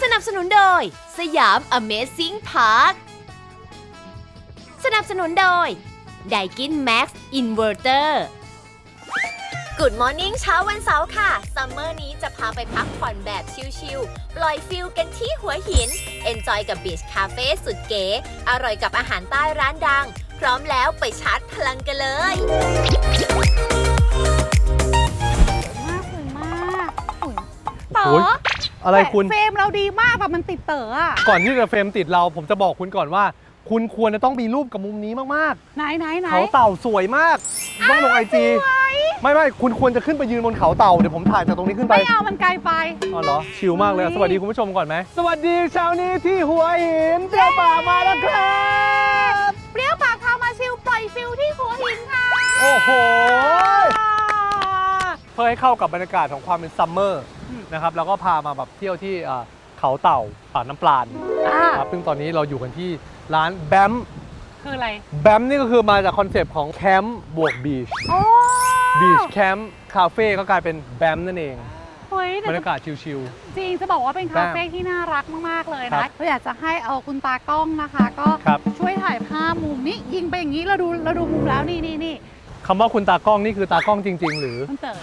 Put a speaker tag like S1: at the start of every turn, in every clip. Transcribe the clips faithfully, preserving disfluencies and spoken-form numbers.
S1: นับสนุนโดยสยาม Amazing Park สนับสนุนโดยไดกิน Max Inverter Good Morning เช้าวันเสาร์ค่ะซัมเมอร์นี้จะพาไปพักผ่อนแบบชิลๆปล่อยฟิลกันที่หัวหิน Enjoy กับ Beach Cafe สุดเก๋อร่อยกับอาหารใต้ร้านดังพร้อมแล้วไปชาร์จพลังกันเลย
S2: มากเลยมากเต๋อ
S3: อะไรคุณ
S2: เฟรมเราดีมากแบบมันติดเต๋ออะ
S3: ก่อนที่จะเฟรมติดเราผมจะบอกคุณก่อนว่าคุณควรจะต้องมีรูปกับมุมนี้มาก
S2: ๆไหนไหนไหน
S3: เขาเต่าสวยมากต้องลงไอจีไม่ไม่คุณควรจะขึ้นไปยืนบนเขาเต่าเดี๋ยวผมถ่ายจากตรงนี้ขึ้นไป
S2: ไม่เอามันไกลไป
S3: อ๋อเหรอชิลมากเลยสวัสดีคุณผู้ชมก่อนไหมสวัสดีเช้านี้ที่หัวหินเปรี้ยวปากมาแล้วครับ
S2: เปรี้ยวปากพามาชิลปล่อยฟิลที่หัวหินค่ะ
S3: โอ้โหเพื่อให้เข้ากับบรรยากาศของความเป็นซัมเมอร์นะครับแล้วก็พามาแบบเที่ยวที่เขาเต่าป่าน้ำปลาครับซึ่งตอนนี้เราอยู่กันที่ร้านแบม
S2: คืออะไร
S3: แบมนี่ก็คือมาจากคอนเซปต์ของแคมป์บวกบีชบีชแคมป์คาเฟ่ก็กลายเป็นแบมนั่นเองบรรยากาศชิล
S2: ๆจริงจะบอกว่าเป็นคาเฟ่ที่น่ารักมากๆเลยนะเราอยากจะให้เอาคุณตากล้องนะคะก็ช่วยถ่ายภาพมุมนี้ยิงไปอย่างนี้เราดูเราดูมุมแล้วนี่นี่นี่
S3: คำว่าคุณตากล้องนี่คือตากล้องจริงๆหรือ
S2: คุณเต๋อ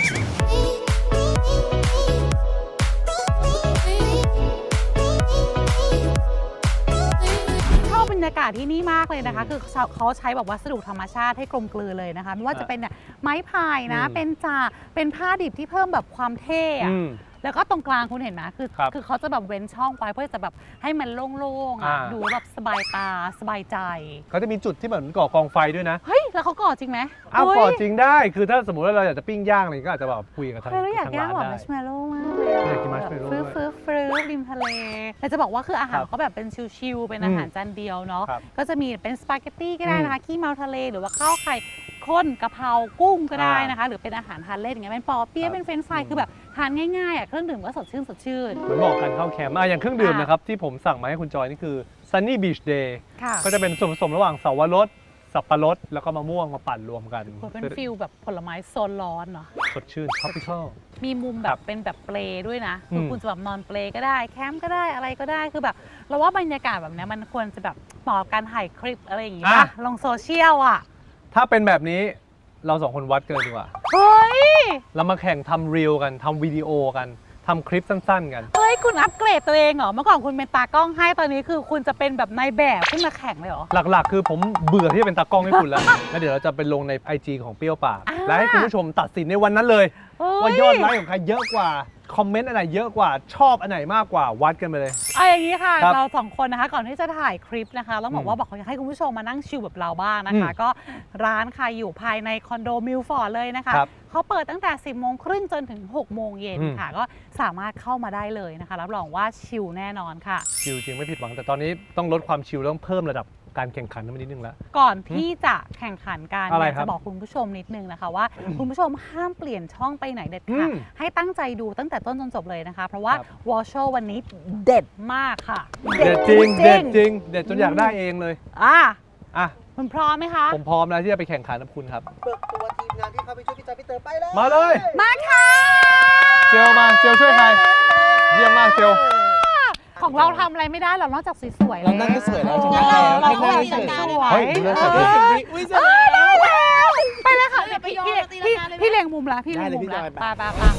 S2: บรรยากาศที่นี่มากเลยนะคะคือเขาใช้แบบวัสดุธรรมชาติให้กลมกลืนเลยนะคะไม่ว่าจะเป็นไม้พายนะเป็นจากเป็นผ้าดิบที่เพิ่มแบบความเท่แล้วก็ตรงกลางคุณเห็นไหมคือคือเขาจะแบบเว้นช่องไว้เพื่อจะแบบให้มันโล่งๆอ่ะดูแบบสบายตาสบายใจ
S3: เขาจะมีจุดที่เหมือนก่อกองไฟด้วยนะ
S2: เฮ้ยแล้วเขาก่อจริงไหม
S3: อ้าวก่อจริงได้คือถ้าสมมติว่าเราอยากจะปิ้งย่างอะไรก็อาจจะแบบคุยกับทาง
S2: ร้านได้อยากย่างแบบมัชเมลโล่มากเลย
S3: อยากกินมัชเมลโล่
S2: ฟื้นฟื้นฟื้นริมทะเลแต่จะบอกว่าคืออาหารเขาแบบเป็นชิลๆเป็นอาหารจานเดียวเนาะก็จะมีเป็นสปาเกตตี้ก็ได้นะคะขี้เมาทะเลหรือว่าข้าวไข่ข้นกะเพรากุ้งก็ได้นะคะหรือเป็นอาหารทานเล่นอย่างเงี้ยเป็นปอเปี๊ยะเป็นเฟรนช์ฟรายคือแบบทานง่ายๆอ่ะเครื่องดื่มก็สดชื่นสดชื่น
S3: เหมือนบอกกันเข้าแคมป์อย่างเครื่องดื่มนะครับที่ผมสั่งมาให้คุณจอยนี่คือ Sunny Beach Day ก็จะเป็นส่วนผสมระหว่างเสาวรสสับปะรดแล้วก็มะม่วงมาปั่นรวมกัน
S2: เป็นฟิลแบบผลไม้โซนร้อนเนาะ
S3: สดชื่น tropical
S2: มีมุมแบบเป็นแบบเปลด้วยนะคือคุณจะแบบนอนเปลก็ได้แคมป์ก็ได้อะไรก็ได้คือแบบเราว่าบรรยากาศแบบนี้มันควรจะแบบเหมาะกับการถ่ายคลิปอะไรอย่างงี้ป่ะลงโซเชียลอ่ะ
S3: ถ้าเป็นแบบนี้เราสองคนวัดกันเลยดีกว่า
S2: เฮ้ย
S3: เรามาแข่งทำรีลกันทำวิดีโอกันทำคลิปสั้นๆกัน
S2: เฮ้ยคุณอัปเกรดตัวเองเหรอเมื่อก่อนคุณเป็นตากล้องให้ตอนนี้คือคุณจะเป็นแบบนายแบบขึ้นมาแข่งเลยเหรอ
S3: หลักๆคือผมเบื่อที่จะเป็นตากล้องให้คุณแล้วแล้วเดี๋ยวเราจะไปลงใน ไอ จี ของเปรี้ยวปากและให้คุณผู้ชมตัดสินในวันนั้นเลยว่ายอดไลค์ของใครเยอะกว่าคอมเมนต์อันไหนเยอะกว่าชอบอันไหนมากกว่าวัดกันไปเลย
S2: เอาอย่างนี้ค่ะเราสองคนนะคะก่อนที่จะถ่ายคลิปนะคะต้องบอกว่าบอกอยากให้คุณผู้ชมมานั่งชิลแบบเราบ้างนะคะก็ร้านค่ะอยู่ภายในคอนโดมิลฟอร์ดเลยนะคะเขาเปิดตั้งแต่สิบโมงครึ่งจนถึงหกโมงเย็นค่ะก็สามารถเข้ามาได้เลยนะคะรับรองว่าชิลแน่นอนค่ะ
S3: ชิลจริงไม่ผิดหวังแต่ตอนนี้ต้องลดความชิลต้องเพิ่มระดับการแข่งขันนิดนึงแล้ว
S2: ก่อนที่จะแข่งขันกันอยากจะบอกคุณผู้ชมนิดนึงนะคะว่าคุณผู้ชมห้ามเปลี่ยนช่องไปไหนเด็ดขาดให้ตั้งใจดูตั้งแต่ต้นจนจบเลยนะคะเพราะว่าวอลโชวันนี้เด็ดมากค่ะ
S3: เด็ดจริงเด็ดจริงเด็ดจนอยากได้เองเลย
S2: อ่ะ
S3: อ่ะ
S2: คุณพร้อมไหมคะ
S3: ผมพร้อมแล้วที่จะไปแข่งขันกับคุณครับ
S4: เปิดตัวทีมงานที่เข้าไปช่วยพี่จอยพี่เต๋อไปเลย
S3: มาเลย
S2: มาค่ะ
S3: เจลมาเจลช่วยใครเยี่ยมมากเจล
S2: ของเราทำอะไรไม่ได้หรอกนอกจากสวยๆ
S4: เรานั่งก็สวยแล้วชนะแล้ว
S2: เราก็แบบสวย
S3: เฮ้ยดูแลสวย
S4: อุ้ยสวยแล้ว
S2: ไปเลยค่ะพี่พี่เล็งมุมละพี่เล็งมุมละไปไปไป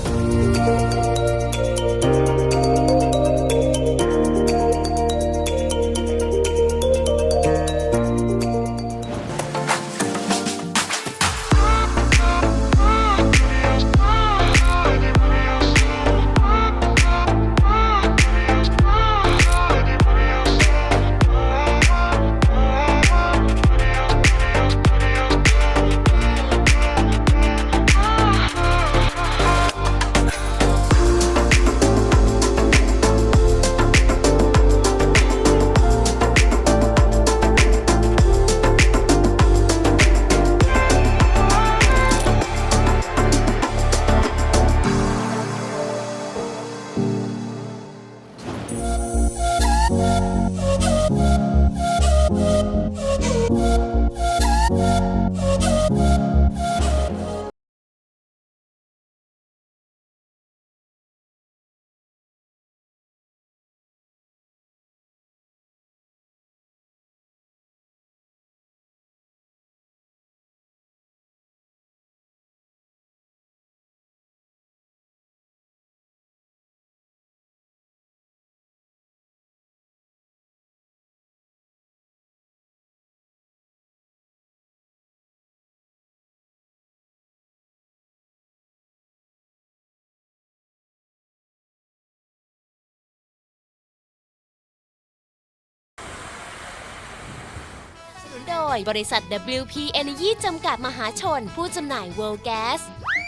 S1: ย บริษัท ดับเบิลยู พี Energy จำกัดมหาชน ผู้จำหน่าย World Gas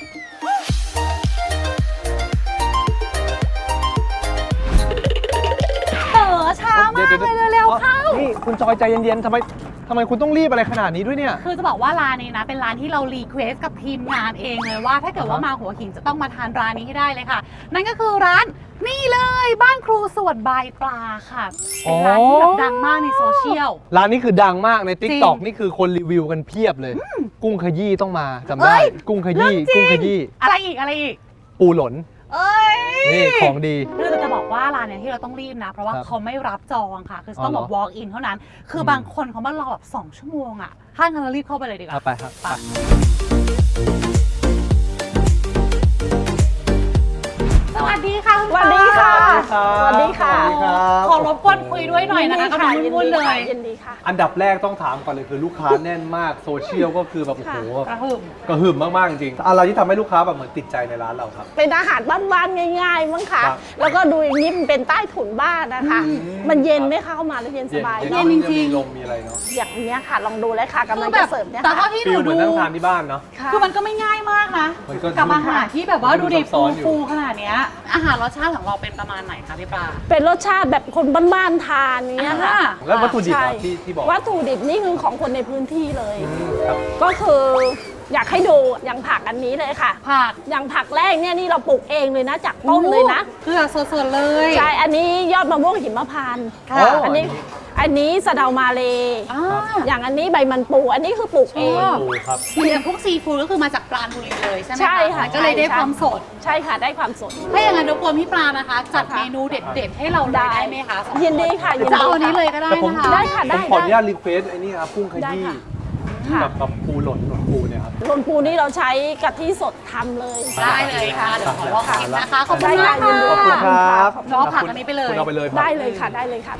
S2: เต๋อช้ามากเลยเร็วๆเข้า
S3: นี่คุณจอยใจเย็นๆทำไมทำไมคุณต้องรีบอะไรขนาดนี้ด้วยเนี่ย
S2: คือจะบอกว่าร้านนี้นะเป็นร้านที่เรารีเควสกับทีมงานเองเลยว่า ถ้าเกิดว่ามาหัวหินจะต้องมาทานร้านนี้ให้ได้เลยค่ะ นั่นก็คือร้านนี่เลยบ้านครูสวดบายปลาค่ะเป็นร้านที่แบบดังมากในโซเชียล
S3: ร้านนี้คือดังมากใน ติ๊กต็อก
S2: จริง
S3: นี่คือคนรีวิวกันเพียบเลย กุ้งขยี้ต้องมาจำ
S2: เอ้
S3: ได้
S2: ย
S3: กุ้งขยี้กุ้งขยี้
S2: อะไรอีกอะไรอีก
S3: ปูหลน
S2: เอ้ย
S3: นี่ของดี
S2: คือจะบอกว่าร้านเนี้ยที่เราต้องรีบนะ เพราะว่า
S3: ครับ
S2: เขาไม่รับจองค่ะ คือ
S3: อ๋อ
S2: ต้องแบบ
S3: เหรอ
S2: walk in เท่านั้น คืออ
S3: ม
S2: บางคนเขามารอแบบสองชั่วโมงอ่ะถ้างั้นเรารีบเข้าไปเลยดีกว่า
S3: เอาไปครับไป
S2: สวัสดีค่ะคุณ
S5: สวัสดีค่ะ
S2: ป้า
S5: สวัสดีค่ะ
S3: สวัสดีครับ
S2: ขอรบกวนคุยด้วยหน่อยนะคะกำลังวุ่นๆเลย
S5: ยินดีค่ะ
S3: อันดับแรกต้องถามก่อนเลยคือลูกค้าแน่นมากโซเชียลก็คือแบบโอ้โห
S2: กระหึ่ม
S3: กระหึ่มมากๆจริงๆอะไรที่ทำให้ลูกค้าแบบเหมือนติดใจในร้านเราครับ
S5: เป็นอาหารบ้านๆง่ายๆมั้งคะ
S3: ครับ
S5: แล้วก็ดูอย่างนี้มันเป็นใต้ถุนบ้านนะคะ มันเย็นไหมคะเข้ามาแล้วเย็นสบาย
S2: เย็นจริงๆ
S3: มีลมมีอะไรเนาะ
S5: อย่างเนี้ยค่ะ ลองดูเลยค่ะกำลัง
S2: คือแบ
S5: จะ
S2: บ
S5: เสิร์ฟเนี่ย
S2: แต่
S5: ค่ะ
S2: เท่าที่ห
S3: ฟิ
S2: นู
S3: ลเหมื
S2: ดู
S3: อนนั่งทานที่บ้านเนาะ
S5: ค่ะ
S2: คือมันก็ไม่ง่ายมากนะ
S3: มันก็
S2: กับอาหารที่แบบว่าดูดิ
S3: ซับซ้
S2: ฟู
S3: อนอยู่
S2: ฟูขนาดเนี้ยอาหารรสชาติของเราเป็นประมาณไหนคะพี่ปลา
S5: เป็นรสชาติแบบคนบ้านๆทานอย่างเนี้ยค่ะ
S2: อ่า
S3: แล้ววัตถุดิบ
S5: ใช่
S3: อะที่ที่บอก
S5: วัตถุดิบนี่คือของคนในพื้นที่เลย
S3: อืมครับ
S5: ก็คืออยากให้ดูอย่างผักอันนี้เลยค่ะ
S2: ผัก
S5: อย่างผักแรกเนี่ยนี่เราปลูกเองเลยนะจากต้นเลยนะ
S2: คือแบบสดๆเลย
S5: ใช่ อันนี้ยอดมะม่วงหิมพานต์
S2: ค่ะ
S3: อ๋ออั
S5: อันนี้ อันนี้สะเดามาเล
S2: อ่า
S5: อย่างอันนี้ใบมันปู อันนี้คือปลูกเอง
S2: ชอบ
S3: ปูครับ
S2: คืออย่างพวกซีฟู้ดก็คือมาจากปราณบุรีเลยใช่ไหม
S5: ใช่ค่ะ
S2: ก็เลยได้
S5: ใช่
S2: ความสด
S5: ใช่ค่ะ ได้ความสด
S2: ถ้าอย่างนั้นรบกวนพี่ปลานะคะ จัด
S5: ค่ะ
S2: เมนูเด็ดๆ ให้เราเลยได้ไหมคะสอง
S5: ยินดีค่ะยิน
S2: จะ
S5: ดี
S2: เอาอันนี้
S5: ค่ะ
S2: เลยก็ได้
S3: แต่ผม
S2: นะคะ
S5: ได้ค่ะ
S3: ผมขออนุญาตรีเควสไอ้นี่ครับกุ้งขยี้
S5: ได้ค่ะ
S3: กับกับปูหล่นหล่นปูเนี่ยครับ
S5: รนปูนี่เราใช้กะทิสดทำเลย
S2: ได้เลยค่ะ เดี๋ยวขอลองชิมนะคะ ขอบคุณ
S5: ได้
S2: มา
S5: ค่ะ
S2: ก
S5: ยินดี
S2: ค่ะ
S3: ขอบคุณครับ
S2: น้องผักอันนี้ไปเลย
S3: คุณเอาไปเลยครับ
S5: ได้เลยค่ะ ได้เลยค่ะ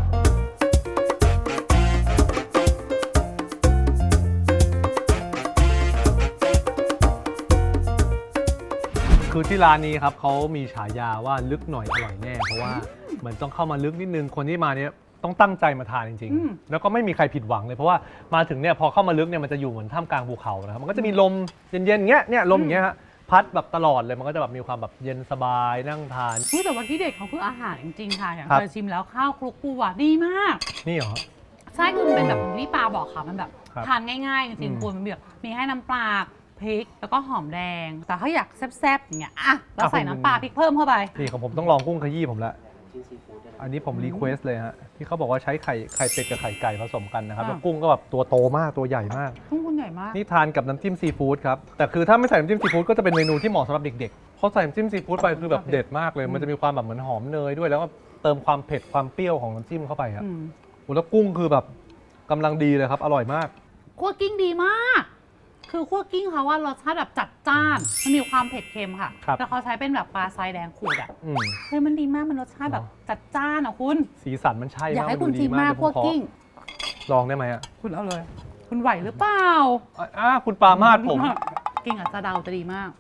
S3: คือที่ร้านนี้ครับเขามีฉายาว่าลึกหน่อยอร่อยแน่ เพราะว่าเหมือนต้องเข้ามาลึกนิดนึงคนที่มาเนี้ยต้องตั้งใจมาทานจริง
S2: อืม
S3: ๆ แล้วก็ไม่มีใครผิดหวังเลยเพราะว่ามาถึงเนี่ยพอเข้ามาลึกเนี่ยมันจะอยู่เหมือนท่ามกลางภูเขานะครับมันก็จะมีลมเย็นๆอย่างเงี้ยเนี่ยลมอย่างเงี้ยฮะพัดแบบตลอดเลยมันก็จะแบบมีความแบบเย็นสบายนั่งทาน
S2: อุ๊ยแต่วันที่เด็ดเขาคืออาหารจริงๆ ค่ะ อย่าง
S3: ครับ
S2: เคยชิมแล้วข้าวคลุกปูอ่ะดีมาก
S3: นี่เหรอ
S2: ใช่คือมันเป็นแบบที่ปลาบอกค่ะ มันแบบ
S3: ครับ
S2: ทานง่ายๆ จริง
S3: อืม
S2: ๆคุณมันแบบมีให้น้ำปลาพริก แล้วก็หอมแดง แต่ถ้าอยากแซ่บๆอย่างเงี้ยอ่ะเราใส่น้ำปลาพริกเพิ่มเข้าไป
S3: นี่ของผมต้องลองกุ้งขยี้ผมละอันนี้ผมรีเควสเลยฮะที่เขาบอกว่าใช้ไข่ไข่เป็ดกับไข่ไก่ผสมกันนะครับ
S2: อ่า
S3: แล้วกุ้งก็แบบตัวโตมากตัวใหญ่มาก
S2: ทุ่งคุณใหญ่มาก
S3: นี่ทานกับน้ำจิ้มซีฟู้ดครับ แต่คือถ้าไม่ใส่น้ำจิ้มซีฟู้ดก็จะเป็นเมนูที่เหมาะสำหรับเด็กๆเพราะใส่น้ำจิ้มซีฟู้ดไปคือแบบเด็ดมากเลย มันจะมีความแบบเหมือนหอมเนยด้วย แล้วก็เติมความเผ็ดความเปรี้ยวของน้ำจิ้มเข้าไปครับ
S2: อืม
S3: โอ้แล้วกุ้งคือแบบกำลังดีเลยครับ อร่อยมาก
S2: คั่วกิ้งดีมาก คือคั่วกิ้งเขาว่ารสชาติแบบจัดจ้าน มันมีความเผ็ดเค็มค่ะ
S3: ครับ
S2: แต่เขาใช้เป็นแบบปลาทรายแดงขูดอ่ะ
S3: อืม
S2: เฮ้ยมันดีมาก มันรสชาติแบบจัดจ้านอ่ะคุณ
S3: สีสันมันใช่
S2: อยาก
S3: มาก
S2: ให้
S3: น
S2: คุณ
S3: ดู
S2: ชิ
S3: ดี
S2: มมาก
S3: เดี๋
S2: คั่ว
S3: ยวผมขอ
S2: กิ้ง
S3: ลองได้ไหมอ่ะ
S2: คุณเอาเลย คุณไหวหรือเปล่า
S3: อ่ะอ่ะคุณปามาดผม
S2: กิ้งกับซาเดาจะดีมาก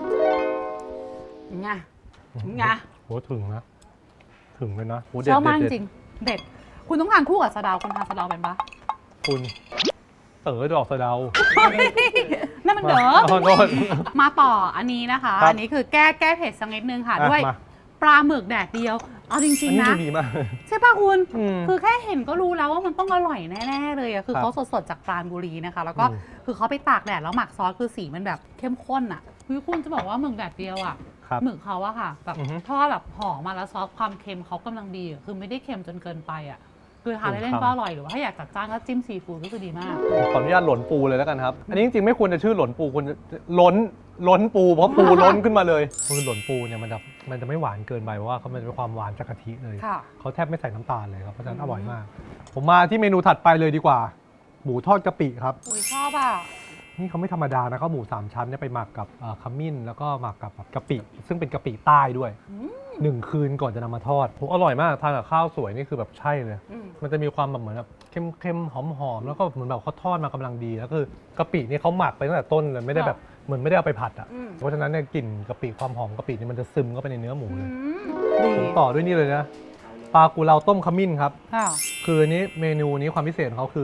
S2: ไงไง
S3: โหถึงนะ ถึงเลยนะโห
S2: ช
S3: เด็ด
S2: อบมากจ
S3: เด็ด
S2: ริงๆเด็ด คุณต้องทานคู่กับซาเดาคุณทานซาเดาเป็นปะ
S3: คุณเต๋อดอกสะเดา
S2: นั่นมันเด้อ
S3: ขอโทษ
S2: มาต่ออันนี้นะคะ
S3: ครับ
S2: อันนี้คือแก้แก้เผ็ดสักนิดนึงค่ะ
S3: อ่ะ
S2: ด้วย
S3: มา
S2: ปลาหมึกแดดเดียว เอาจริ
S3: อั
S2: ง
S3: น
S2: ๆ
S3: นี้
S2: นะ
S3: ดูดีมาก
S2: ใช่ป่ะคุณ
S3: อืม
S2: คือแค่เห็นก็รู้แล้วว่ามันต้องอร่อยแน่ๆเลยอะคือ
S3: ครับ
S2: เขาสดๆจากปราณบุรีนะคะ แล้วก็
S3: อืม
S2: คือเขาไปตากแดดแล้วหมักซอสคือสีมันแบบเข้มข้นอะคือคุณจะบอกว่าหมึกแดดเดียวอะ
S3: ครับ
S2: หมึกเขาอะค่ะแบบ
S3: อือฮึ
S2: ทอดแบบห่อมาแล้วซอสความเค็มเขากำลังดีอะคือไม่ได้เค็มจนเกินไปอะคือทานเล่นๆก็อร่อยหรือว่าถ้าอยากจัดจ้านก็จิ้มซีฟู้ดก็คือดีมาก
S3: ขออนุญาตหล่นปูเลยแล้วกันครับ อันนี้จริงๆไม่ควรจะชื่อหล่นปูควรจะล้นล้นปูเพราะปูล้นขึ้นมาเลยคือหล่นปูเนี่ยมันจะมันจะไม่หวานเกินไปเพราะว่าเขามันจะมีความหวานจากกะทิเลย
S2: ค่ะ
S3: เขาแทบไม่ใส่น้ำตาลเลยครับเพราะฉะนั้น
S2: อืม
S3: อร่อยมาก ผมมาที่เมนูถัดไปเลยดีกว่า หมูทอดกะปิครับ
S2: อุ้ยชอบอะ
S3: นี่เขาไม่ธรรมดานะเขาหมูสามชั้นเนี่ยไปหมักกับเอ่อขมิ้นแล้วก็หมักกับกะปิ ซึ่งเป็นกะปิใต้ด้วยหนึ่งคืนก่อนจะนำมาทอดโหอร่อยมากทานกับข้าวสวยนี่คือแบบใช่เลย
S2: อืม
S3: มันจะมีความแบบเหมือนแบบเค็มๆหอมๆแล้วก็เหมือนแบบเขาทอดมากำลังดีแล้วคือกะปินี่เขาหมักไปตั้งแต่ต้นเลยไม่ได้แบบเหมือนไม่ได้เอาไปผัดอ่ะ
S2: อืม
S3: เพราะฉะนั้นเนี่ยกลิ่นกะปิความหอมกะปินี่มันจะซึมเข้าไปในเนื้อหมู
S2: อื
S3: เลย
S2: มดี
S3: ผมต่อด้วยนี่เลยนะปลากุเลาต้มขมิ้นครับ
S2: ค่ะ
S3: คืออันนี้เมนูนี้ความพิเศษของเขาคือ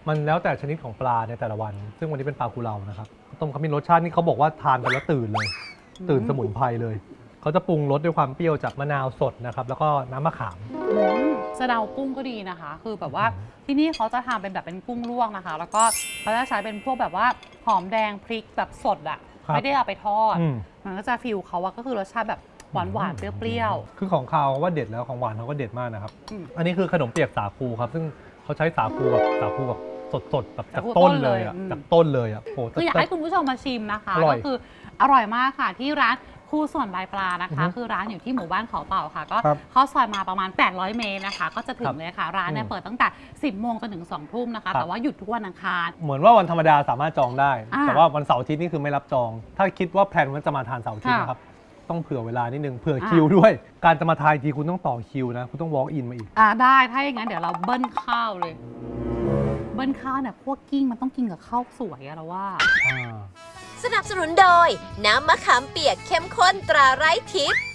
S3: มันแล้วแต่ชนิดของปลาในแต่ละวัน ซึ่งวันนี้เป็นปลากุเลานะครับต้มขมิ้นรสชาตินี่เขาบอกว่าทานไปแล้วตื่นเลย ตื่นสมุนไพรเลยเขาจะปรุงรสด้วยความเปรี้ยวจากมะนาวสดนะครับแล้วก็น้ำมะขาม
S2: สะเดากุ้งก็ดีนะคะ คือแบบว่าที่นี่เขาจะทำเป็นแบบเป็นกุ้งลวกนะคะ แล้วก็เขาจะใช้เป็นพวกแบบว่าหอมแดงพริกแบบสดอ่ะ
S3: ครับ
S2: ไม่ได้เอาไปทอด
S3: อืม
S2: มันก็จะฟิลเขาว่าก็คือรสชาติแบบหวานหวานๆเปรี้ยว
S3: คือของคาวว่าเด็ดแล้วของหวานเขาก็เด็ดมากนะครับ
S2: อืม
S3: อันนี้คือขนมเปียกสาคูครับซึ่งเขาใช้สาคูแบบสาคูแบบสดๆแบบจาก
S2: สาคู
S3: ต้นเลยอ่ะ
S2: ต้นเลยอืม
S3: จากต้นเลยอ่ะโอ้
S2: ๆคืออยากให้คุณผู้ชมมาชิมนะคะ
S3: อร่อย
S2: ก็คืออร่อยมากค่ะที่ร้านคู่ส่วนลายปลานะคะ
S3: อือฮึ
S2: คือร้านอยู่ที่หมู่บ้านเขาเต่าค่ะ ก็
S3: ครับ
S2: เข้าซอยมาประมาณแปดร้อยเมตรนะคะ ก็จะถึ
S3: ครั
S2: ง
S3: บ
S2: เลยค่ะ ร้านเนี่ย
S3: อืม
S2: เปิดตั้งแต่สิบโมงจนถึงสองทุ่มนะคะ
S3: ครับ
S2: แต่ว่าหยุดทุกวันอังคาร
S3: เหมือนว่าวันธรรมดาสามารถจองได้
S2: อ่า
S3: แต่ว่าวันเสาร์อาทิตย์นี่คือไม่รับจอง ถ้าคิดว่าแพลนว่าจะมาทานเสาร์อาทิตย์
S2: ค่ะ
S3: นะครับต้องเผื่อเวลานิดนึงเผื่อ
S2: อ่า
S3: คิวด้วย การจะมาทานทีคุณต้องต่อคิวนะคุณต้อง walk in มาอีก
S2: อ่าได้ถ้าอย่างนั้นเดี๋ยวเราเบิ้ลข้าวเลย เบิ้ลข้าวเนี่ยพวกกิ้งมันต้องกินกับข้าวสวยอะเราว่า
S3: อ่า
S1: สนับสนุนโดย น้ำมะขามเปียกเข้มข้นตราไร้ทิพย์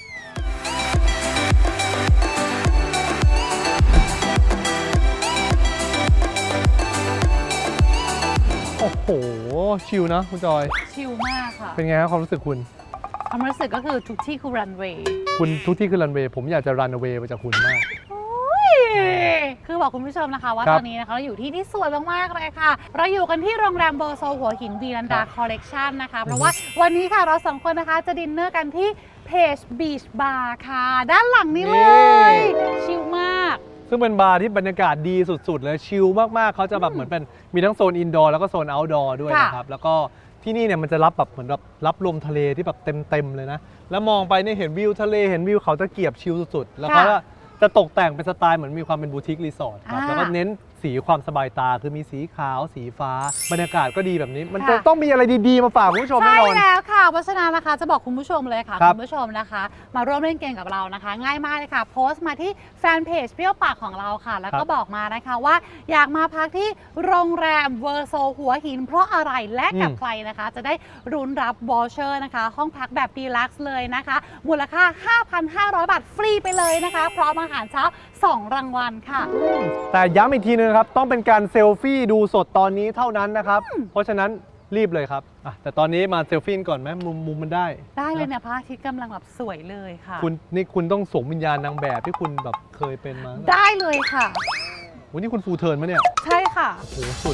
S3: โอ้โหชิลนะคุณจอย
S2: ชิลมากค่ะ
S3: เป็นไงครับความรู้สึกคุณ
S2: ความรู้สึกก็คือทุกที่คือรันเวย์
S3: คุณทุกที่คือรันเวย์ผมอยากจะรันเวย์ไปจากคุณมาก
S2: คือบอกคุณผู้ชมนะคะว่า
S3: ครั
S2: ต
S3: บ
S2: อนนี้นะคะเราอยู่ที่ที่สวยมากๆเลยค่ะ เราอยู่กันที่โรงแรมเบอร์โซหัวหินวีลันดา
S3: ครับ
S2: คอลเลกชันนะคะ เพ
S3: อื
S2: ราะ
S3: อฮึ
S2: ว่าวันนี้ค่ะเราสองคนนะคะจะดินเนอร์กันที่เพจบีชบาร์ค่ะ ด้านหลังนี้เลย ชิลมาก
S3: ซึ่งเป็นบาร์ที่บรรยากาศดีสุดๆเลยชิลมากๆเขาจะแบบเหมือนเป็นมีทั้งโซนอินดอร์แล้วก็โซนเอาท์ดอร์ด้วย
S2: ค่ะ
S3: นะครับแล้วก็ที่นี่เนี่ยมันจะรับแบบเหมือนแบบรับลมทะเลที่แบบเต็มๆเลยนะแล้วมองไปเนี่ยเห็นวิวทะเลเห็นวิวเขาตะเกียบชิลสุดๆแล้วก็จะตกแต่งเป็นสไตล์เหมือนมีความเป็นบูติกรีสอร์ทครับ
S2: อ่า
S3: แล้วก็เน้นสีความสบายตาคือมีสีขาวสีฟ้า บรรยากาศก็ดีแบบนี้ มัน
S2: ค่ะ
S3: จะต้องมีอะไรดีๆมาฝากคุณผู้ชมแน่
S2: ใช่
S3: นอน
S2: แล้วค่ะเพราะฉะนั้นนะคะจะบอกคุณผู้ชมเลยค่ะ
S3: ครับ
S2: คุณผู้ชมนะคะ มาร่วมเล่นเกมกับเรานะคะ ง่ายมากเลยค่ะ โพสต์มาที่แฟนเพจเปรี้ยวปากของเราค่ะ แล้วก็บอกมานะคะว่าอยากมาพักที่โรงแรมเวอร์โซหัวหิน เพราะอะไรและกับใครนะคะ จะได้รุนรับวอลเชอร์นะคะ ห้องพักแบบดีลักซ์เลยนะคะ มูลค่า ห้าพันห้าร้อย บาทฟรีไปเลยนะคะพร้อมอาหารเช้าสองรางวัลค่ะ
S3: แต่ย้ำอีกทีนึงนะครับ ต้องเป็นการเซลฟี่ดูสดตอนนี้เท่านั้นนะครับ เพราะฉะนั้นรีบเลยครับอ่ะแต่ตอนนี้มาเซลฟี่ก่อนไหมมุมมุมมันได้
S2: ได้เลยเนี่ยพระอาทิตย์กำลังแบบสวยเลยค่ะ
S3: คุณนี่คุณต้องสวมวิญญาณนางแบบที่คุณแบบเคยเป็นมา
S2: ได้เลยค่ะ
S3: วันนี้คุณฟูลเทิร์นมะเนี่ย
S2: ใช่ค่ะ
S3: โอ้โหสุด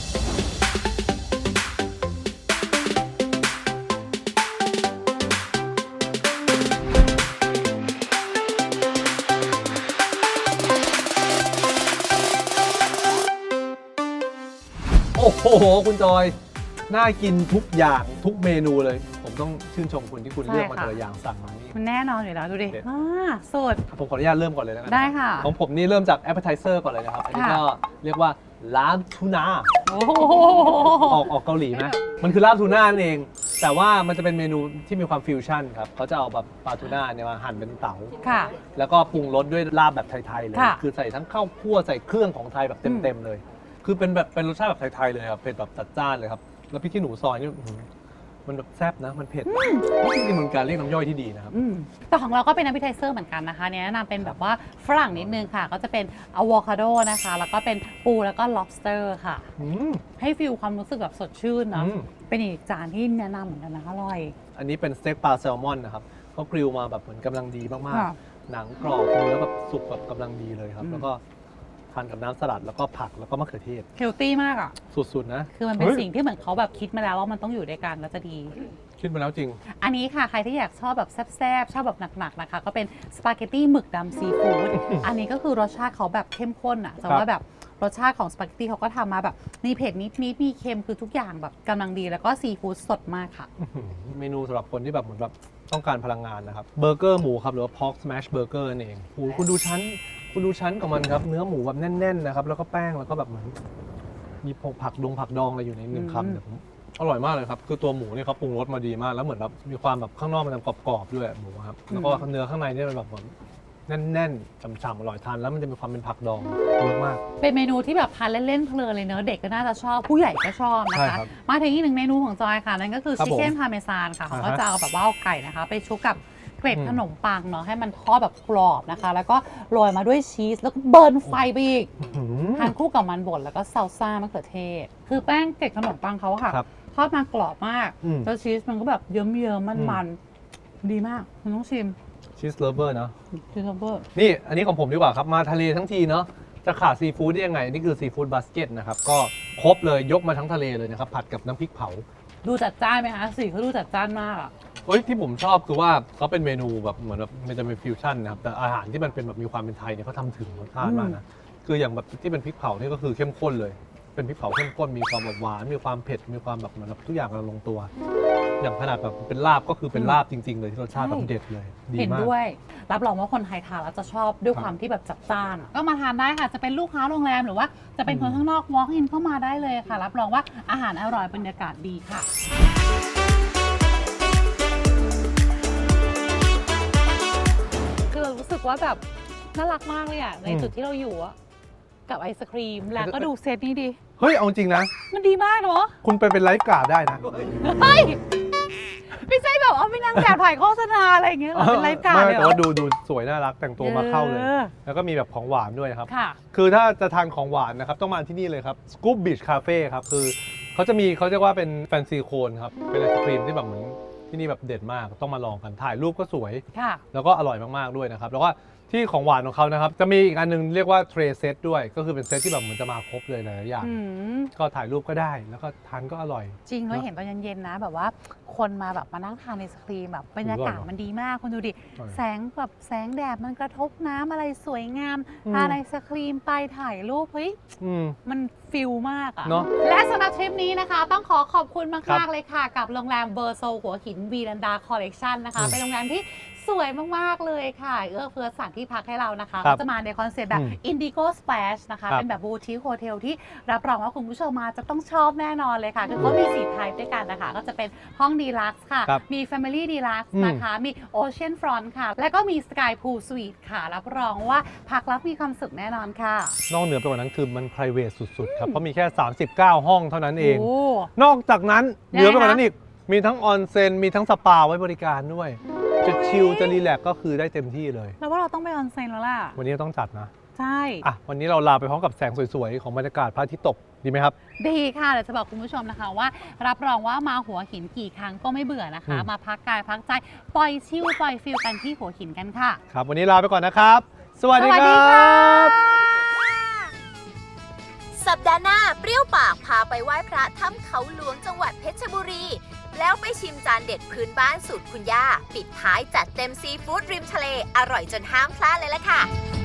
S3: โอ้โห คุณจอย น่ากินทุกอย่างทุกเมนูเลย ผมต้องชื่นชมคุณที่คุณ
S2: ใช่
S3: เลือกมา
S2: ค่ะ
S3: แต่ละอย่างสั่งมานี่
S2: มันแน่นอนอยู่แล้วดูดิ
S3: เด็ด
S2: อ่าสุด
S3: ผมขออนุญาตเริ่มก่อนเลยแล้วกัน
S2: ได้ค่ะ
S3: ของผมนี่เริ่มจาก appetizer ก่อนเลยนะครับ อันนี้
S2: ค่ะ
S3: ก็เรียกว่าลาบทูน่า
S2: โอ้โห
S3: ออกออกเกาหลีไหมมันคือลาบทูน่านั่นเอง แต่ว่ามันจะเป็นเมนูที่มีความฟิวชั่นครับเขาจะเอาแบบปลาทูน่าเนี่ยมาหั่นเป็นเต๋า
S2: ค่ะ
S3: แล้วก็ปรุงรสด้วยลาบแบบไทย ๆ เลย
S2: ค่ะ
S3: คือใส่ทั้งข้าวคั่วใส่เครื่องของไทยแบบเต็ม ๆ เลย คือเป็นแบบเป็นรสชาติแบบไทย ๆ เลยครับ เผ็ดแบบจัดจ้านเลยครับ แล้วพริกขี้หนูซอยนี่อื้อหือมันแบบแซ่บนะ มันเผ็ดจริงๆมันการเรียกน้ำย่อยที่ดีนะครับ
S2: อืมแต่ของเราก็เป็น appetizer เหมือนกันนะคะเนี่ยแนะนำเป็นแบบว่าฝรั่งนิดนึงค่ะ ก็จะเป็น avocado นะคะ แล้วก็เป็นปูแล้วก็ lobster ค่ะ
S3: อืม
S2: ให้ฟิลความรู้สึกแบบสดชื่นเนาะ
S3: อืม
S2: เป็นอีกจานที่แนะนำเหมือนกันนะอร่อย
S3: อันนี้เป็นสเต็กปลาแซลมอนนะครับเขากริลมาแบบเหมือนกำลังดีมาก
S2: ค่ะ
S3: ๆ หนังกรอบเนื้อแบบสุกแบบกำลังดีเลยครับ
S2: อืม
S3: แล้วก็ทานกับน้ำสลัดแล้วก็ผักแล้วก็มะเขือเทศ
S2: เฮลตี้มากอ่ะ
S3: สุด ๆ นะ
S2: คือมันเป็น
S3: ฮ้ย
S2: สิ่งที่เหมือนเขาแบบคิดมาแล้วว่ามันต้องอยู่ด้วยกันแล้วจะดี
S3: คิดมาแล้วจริง
S2: อันนี้ค่ะ ใครที่อยากชอบแบบแซ่บๆ ชอบแบบหนักๆ นะคะ ก็เป็นสปาเกตตี้หมึกดำซีฟู้ด อันนี้ก็คือรสชาติเขาแบบเข้มข้นอ่ะแต่ว่าแบบรสชาติของสปาเกตตี้เขาก็ทำมาแบบมีเผ็ดนิดๆมีเค็มคือทุกอย่างแบบกำลังดีแล้วก็ซีฟู้ดสดมากค่ะ
S3: เมนูสำหรับคนที่แบบเหมือนแบบต้องการพลังงานนะครับเบอร์เกอร์หมูครับหรือว่า pork smash burger นั่นเองโอ้โหคุณดูชั้นคุณดูชั้นของมันครับเนื้อหมูแบบแน่นๆนะครับแล้วก็แป้งแล้วก็แบบเหมือนมีผักดงผักดองอะไรอยู่ในหนึ่ง
S2: อืม
S3: คำเนี่ยผมอร่อยมากเลยครับคือตัวหมูเนี่ยเขาปรุงรสมาดีมากแล้วเหมือนแบบมีความแบบข้างนอกมันจะกรอบๆด้วยหมูครับแล้วก็เนื้อข้างในเนี่ยมันแบบเหมือนแน่นๆฉ่ำๆอร่อยทานแล้วมันจะมีความเป็นผักดองเยอะมาก
S2: เป็นเมนูที่แบบทานเล่นๆเพลินเลยเนอะเด็กก็น่าจะชอบผู้ใหญ่ก็ชอบนะ
S3: ใช่
S2: คะ
S3: ครับ
S2: มาถึงอีกหนึ่งเมนูของจอยค่ะ นั่นก็คือ
S3: ครับ
S2: ชิคเก้นพาเมซานค่ะ
S3: อ่า
S2: เขา
S3: ฮะ
S2: ก็จะเอาแบบว่าเอาไก่นะคะ ไปชุบกับเกล็ด
S3: อืม
S2: ขนมปังเนาะให้มันทอดแบบกรอบนะคะ แล้วก็โรยมาด้วยชีสแล้วก็เบิร์นไฟไปอีก
S3: อื้อหือ
S2: ให้านคู่กับมันบดแล้วก็ซาลซ่ามะเขือเทศ คือแป้งเกล็ดขนมปังเขาอะค่ะ
S3: ครับ
S2: ทอดมากรอบมาก
S3: อืม
S2: แล้วชีสมันก็แบบเยิ้มๆมันๆดีมากคุณต้องชิม
S3: ชีสเลเวอร์เนาะ
S2: ชีสโรเบอร์
S3: นี่อันนี้ของผมดีกว่าครับ มาทะเลทั้งทีเนาะจะขาดซีฟู้ดได้ยังไง นี่คือซีฟู้ดบาสเกตนะครับ ก็ครบเลยยกมาทั้งทะเลเลยนะครับ ผัดกับน้ำพริกเผา
S2: ดูจัดจ้านไหมคะสีเขาดูจัดจ้านมากอะ
S3: เฮ้ยที่ผมชอบคือว่าเขาเป็นเมนูแบบเหมือนแบบมันจะเป็นฟิวชั่นนะครับ แต่อาหารที่มันเป็นแบบมีความเป็นไทยเนี่ยเขาทำถึงรสชาติมากนะ คืออย่างแบบที่เป็นพริกเผานี่ก็คือเข้มข้นเลย เป็นพริกเผาเข้มข้นมีความแบบหวานมีความเผ็ดมีความแบบเหมือนแบบทุกอย่างกำลังลงตัว อย่างขนาดแบบเป็นลาบก็คือเป็นลาบจริง ๆ เลยที่รสชาติแบบเด็ดเลยดี
S2: เห็น
S3: มาก
S2: ด้วย รับรองว่าคนไทยทานแล้วจะชอบด้วย
S3: ครับ
S2: ความที่แบบจัดจ้านอะก็มาทานได้ค่ะ จะเป็นลูกค้าโรงแรมหรือว่าจะเป็นคน
S3: อืม
S2: ข้างนอก walk in เข้ามาได้เลยค่ะ รับรองว่าอาหารอร่อยบรรยากาศดีค่ะ คือเรารู้สึกว่าแบบน่ารักมากเลยอะใน
S3: อืม
S2: จุดที่เราอยู่อะกับไอศครีมแล้วก็ดูเซตนี้ดิ
S3: เฮ้ยเอาจริงนะ
S2: มันดีมากเนาะ
S3: คุณไปเป็นไลฟ์การ์ดได้นะ
S2: เฮ้ยไม่ใช่แบบว่าไม่นั่งแบบถ่ายโฆษณาอะไรอย่างเงี้ยหรอเป็นไลฟ์การ์ด
S3: ไม่
S2: เลยเหร
S3: แต่
S2: อ
S3: ว่าดูดูสวยน่ารักแต่งตัวมาเข้าเลย
S2: ออ
S3: แล้วก็มีแบบของหวานด้วยนะครับ
S2: ค่ะ
S3: คือถ้าจะทานของหวานนะครับ ต้องมาที่นี่เลยครับ Scoop Beach Cafe ครับ คือเขาจะมีเขาเรียกว่าเป็นแฟนซีโคนครับ เป็นไอศครีมที่แบบเหมือนที่นี่แบบเด็ดมาก ต้องมาลองกัน ถ่ายรูปก็สวย
S2: ค่ะ
S3: แล้วก็อร่อยมาก ๆ ด้วยนะครับ แล้วก็ที่ของหวานของเขานะครับ จะมีอีกอันนึงเรียกว่าเทรเซตด้วย ก็คือเป็นเซตที่แบบเหมือนจะมาครบเลยหลายๆอย่าง
S2: อืม
S3: ก็ถ่ายรูปก็ได้ แล้วก็ทานก็อร่อย
S2: จริงแล้วเห็นตอนเย็นๆนะ แบบว่าคนมาแบบมานั่งทานไอศครีมแบบบรรยากาศ
S3: อร่อย
S2: มันดีมากคุณดูดิ
S3: อร่อย
S2: แสงแบบแสงแดดมันกระทบน้ำอะไรสวยงาม
S3: อืม
S2: ทานไอศครีมไปถ่ายรูปเฮ้ย
S3: อืม
S2: มันฟิลมากอะ
S3: เนอะ
S2: และสำหรับทริปนี้นะคะ ต้องขอขอบคุณ
S3: ครั
S2: มาก
S3: บ
S2: ๆ เลยค่ะ กับโรงแรมเบอร์โซหัวหินวีรันดาคอลเลกชันนะคะ
S3: อืม
S2: เป็นโรงแรมที่สวยมาก ๆ เลยค่ะ เอื้อเฟื้อสถานที่พักให้เรานะคะ
S3: ครั
S2: ก็
S3: บ
S2: จะมาในคอนเซ็ปต์แบบ
S3: อืม
S2: Indigo Splash นะคะ
S3: ครับ
S2: เป็นแบบบูติคโฮเทลที่รับรองว่าคุณผู้ชมมาจะต้องชอบแน่นอนเลยค่ะ คือเขามีสี่ไทป์ด้วยกันนะคะ ก็จะเป็นห้องดีลักซ์ค่ะ
S3: ครับ
S2: มี Family Deluxe
S3: อืม
S2: นะคะ มี Ocean Front ค่ะ และก็มี Sky Pool Suite ค่ะ รับรองว่าพักแล้วมีความสุขแน่นอนค่ะ
S3: นอกเหนือไปกว่านั้นคือมัน private สุด ๆ ครับ เพราะมีแค่ สามสิบเก้า ห้องเท่านั้นเอง
S2: โอ้
S3: นอกจากนั้นเห
S2: ยังไง
S3: นือไปกว่านั้น
S2: คะ
S3: อีก มีทั้งออนเซ็น มีทั้งสปาไว้บริการด้วย จะชิล จะรีแลกซ์ก็คือได้เต็มที่เลย
S2: แล้วว่าเราต้องไปออนเซ็นแล้วล่ะ
S3: วันนี้ต้องจัดนะ
S2: ใช่
S3: อ่ะ วันนี้เราลาไปพร้อมกับแสงสวย ๆ ของบรรยากาศพระอาทิตย์ตก ดีไหมครับ
S2: ดีค่ะเดี๋ยวจะบอกคุณผู้ชมนะคะว่า รับรองว่ามาหัวหินกี่ครั้งก็ไม่เบื่อนะคะ
S3: อืม
S2: มาพักกายพักใจ ปล่อยชิลปล่อยฟิลกันที่หัวหินกันค่ะ
S3: ครับ วันนี้ลาไปก่อนนะครับ สวัสดี
S2: สวัส
S3: ค
S2: ดี
S3: รั
S2: ค่ะ
S3: บ
S1: สัปดาห์หน้าเปรี้ยวปากพาไปไหว้พระถ้ำเขาหลวงจังหวัดเพชรบุรี แล้วไปชิมจานเด็ดพื้นบ้านสูตรคุณย่า ปิดท้ายจัดเต็มซีฟู้ดริมทะเล อร่อยจนห้ามพลาดเลยล่ะค่ะ